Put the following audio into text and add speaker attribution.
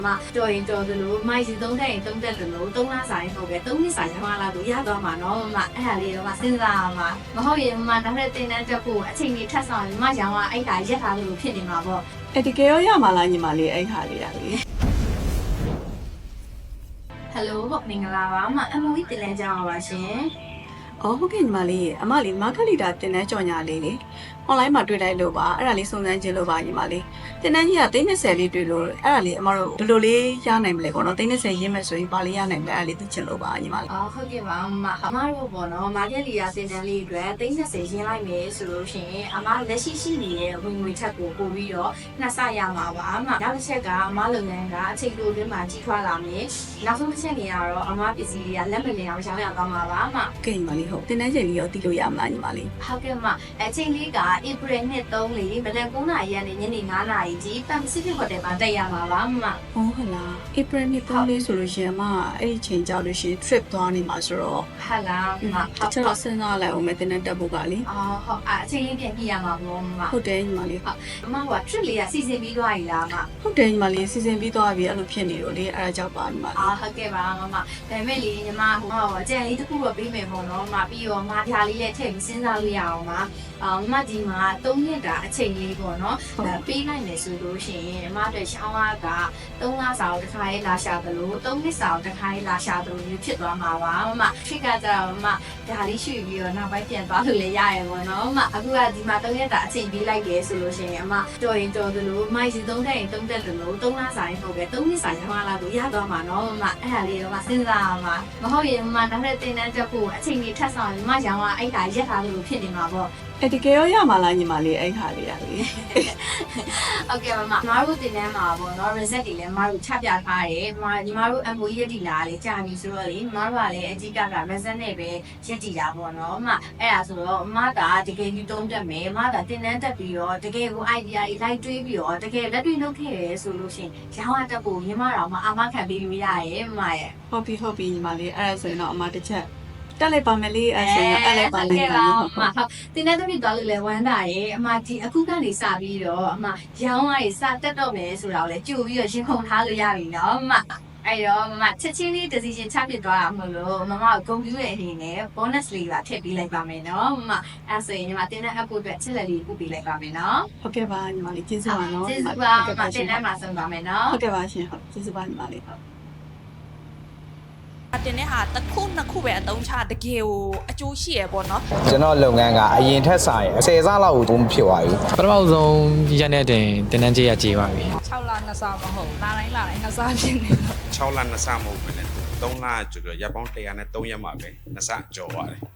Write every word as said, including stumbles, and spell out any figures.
Speaker 1: 嘛，做人做的路，买是东山东山的路，东拉山后边，东里山的话啦，都也多嘛，喏嘛，哎呀，你嘛现在嘛，我好嘢嘛，那些订单这户，请你看上嘛，想话哎，大一下都骗你嘛不？
Speaker 2: အဲ့ဒီကေရောရမှာလားညီမလေးအဲ့ခါလေးရလေ
Speaker 1: Hello， မင်္ဂလာပါမအမဝီတင်လဲကြအောင်ပါရှင်
Speaker 2: အော်ဟုတ်ကဲ့ညီမလေးအမလေးမာခလီတာတင်တဲ့ကြော်ညာလေးလေ online မှာတွေ့လိုက်လို့ပါအဲ့ဒါလေးစုံစမ်းခြင်းလို့ပါညီမလေးတင်တဲ့ကြီးကသိန်း၂၀လေးတွေ့လို့အဲ့ဒါလေးအမတို့ဒီလိုလေးရနိုင်မလဲပေါ့နော်သိန်း၂၀ရင်းမဲ့ဆိုရင်ပါလေးရနိုင်မလဲအဲ့ဒါလေးသိချင်လို့ပါညီမလေး
Speaker 1: အော်ဟုတ်ကဲ့ပါမအမတို့ပေါ့နော်မာကက်လီယာတင်တန်းလေးအတွက်သိန်း၂၀ရင်းလိုက်မယ်ဆိုလို့ရှိရင်အမလက်ရှိရှိနေတဲ့ဝင်ငွေထက်ကိုပို့ပြီးတော့နှစ်ဆရမှာပါအမနောက်တစ်ချက်ကအမလုပ်ငန်းကအချိန်တိုအတွင်းမှာကြီးထွားလာမယ်နောက်ဆုံးတစ်ချက်နေရတော့အမပစ္စည်းတွေကလက်မလင်အောင်ရောင်းရအောင်ပါပါအမ
Speaker 2: ကဲညီမလေးဟုတ်တင်တဲ့ချိန်လေးရောသိလို့ရမလားညီမလေး
Speaker 1: ဟုတ်ကဲ့မအချိန်လေးက April နှစ်သုံးလေးမနက်9နာရီကနေညနေ9နာရီကြီး Pacific Hotel မှာတက်ရမှာပါမ
Speaker 2: ဟုတ်ဟလား April နှစ်သုံးလေးဆိုလို့ရှိရင်အမအဲ့ဒီချိန်ကြောက်လို့ရှိရင် trip သွားနေမှာဆိုတော့
Speaker 1: ဟာလားမ
Speaker 2: တချို့တော့စဉ်းစားလိုက်အောင်မယ်တင်တဲ့တက်ဖို့ကလေ
Speaker 1: အော်ဟုတ်အချိန်လေးပြန်ပြရမှာပေါ့မ
Speaker 2: ဟုတ်တယ်ညီမလေး
Speaker 1: ဟုတ်အမက trip လေးကစီစဉ်ပြီးသွားပြီလားမ
Speaker 2: ဟုတ်တယ်ညီမလေးစီစဉ်ပြီးသွားပြီအဲ့လိုဖြစ်နေတော့လေအဲ့ဒါကြောင့်ပါညီမလေး
Speaker 1: အာဟုတ်ကဲ့ပါမမဒါပေမဲ့လေညီမဟိုအကြံလေးတစ်ခုတော့ပေးမယ်ပေါ့နော်မပြီးတော့မဖြာလေးလည်းထည့်ပြီးစဉ်းစားလို့ရအောင်ပါအော်မဒီမှာသုံးရက်တာအချိန်လေးပေါ့နော်ပေးနိုင်မယ်ဆိုလို့ရှိရင်အမအတွက်ရှောင်းအားကသုံးလစာကိုတစ်ခါရေးလာရှာသလိုသုံးနှစ်စာကိုတစ်ခါရေးလာရှာသလိုမျိုးဖြစ်သွားမှာပါမမထစ်ကကြတော့မဒါလေးရွှေ့ပြီးတော့နောက်ပိုင်းပြန်သွားလို့လည်းရရပေါ့နော်မအခုကဒီမှာသုံးရက်တာအချိန်ပေးလိုက်တယ်ဆိုလို့ရှိရင်အမတော်ရင်တော်သလိုမိုက်စီသုံးတက်ရင်သုံးတက်သလိုသုံးလစာရင်ဟုတ်ပဲသုံးနှစ်စာရင်ဟောလာလို့ရသွားမှာနော်မအဲ့ဒါလေးတော့မစဉ်းစားမှာမဟုတ်ရင်မနောက်ထပ်တင်တန်းတက်ဖို့အချိန်ကြီးထပ်ဆောင်ရင်မရောင်ကအဲ့ဒါရက်ထားလို့ဖြစ်နေမှာပေါ့
Speaker 2: အဲ့ဒီကေရောရမှာလားညီမလေးအဲ့ခါလေးရလေ
Speaker 1: ဟုတ်ကဲ့မမမတို့တင်တန်းမှာပေါ့နော် reset တွေလည်းမတို့ချပြထားတယ်မညီမတို့ M O E ရက်တီလာလေကြာပြီဆိုတော့လေမတို့ကလည်းအကြီးကက reset နဲ့ပဲရက်တီတာပေါ့နော်မအဲ့ဒါဆိုတော့မကတကယ်ကြီးတုံးတက်မယ်မကတင်တန်းတက်ပြီးတော့တကယ်ကို idea တွေလိုက်တွေးပြီးတော့တကယ်လက်တွေ့လုပ်ခဲ့ရဲဆိုလို့ရှိရင်ရောင်းရတက်ဖို့ညီမတော်မအာမခံပေးလို့ရရဲ့မရဲ့
Speaker 2: ဟုတ်ပြီဟုတ်ပြီညီမလေးအဲ့ဒါဆိုရင်တော့အမတစ်ချက်တက်လိုက်ပါမယ်လေးအဲ့ဆိုရင်အဲ့လိုက်ပါလိမ့်မယ်ဟုတ်
Speaker 1: အမဟုတ်တင်တဲ့သမီးသွားလို့လဲဝမ်းတာရဲ့အမဒီအခုကနေစပြီးတော့အမရောင်းရည်စတက်တော့မယ်ဆိုတာကိုလည်းကြိုပြီးတော့ရှင်းခုန်ထားလို့ရပြီနော်အမအဲ့တော့မမချက်ချင်းလေး decision ချပြသွားတာမဟုတ်လို့မမကဂုဏ်ပြုရဲ့အနေနဲ့ bonus လေးပါထည့်ပေးလိုက်ပါမယ်နော်မမအဲ့ဆိုရင်ညီမတင်တဲ့ app အတွက်ချက်လက်လေးပို့ပေးလိုက်ပါမယ်နော်
Speaker 2: ဟုတ်ကဲ့ပါညီမလေးကျေးဇူးပါနော်
Speaker 1: ကျေးဇူးပါမတင်တဲ့မှာဆုံးပါမယ်နော်
Speaker 2: ဟုတ်ကဲ့ပါရှင်ဟုတ်ကျေးဇူးပါညီမလေးဟုတ်
Speaker 3: တင်တဲ့ဟာတစ်ခုနှစ်ခုပဲအသုံးချတကယ်ကိုအကျိုးရှိရပေါ့နော်
Speaker 4: ကျွန်တော်လုပ်ငန်းကအရင်ထက်ဆိုင်အစိဆလောက်ကိုမဖြစ်သွားဘူး
Speaker 5: ပထမဆုံးရက်နဲ့တင်တင်တန်းကြေးရကြေးပါပြီ
Speaker 3: ၆လနှစ်ဆမဟုတ်လာတိုင်းလာတိုင်းနှစ်ဆဖြစ်နေတော့
Speaker 6: ၆လနှစ်ဆမဟုတ်ဘူးနဲ့၃လကျော်ကျော်ရပ်ပေါင်း၁၀၀နဲ့၃ရက်မှာပဲနှစ်ဆကျော်သွားတယ်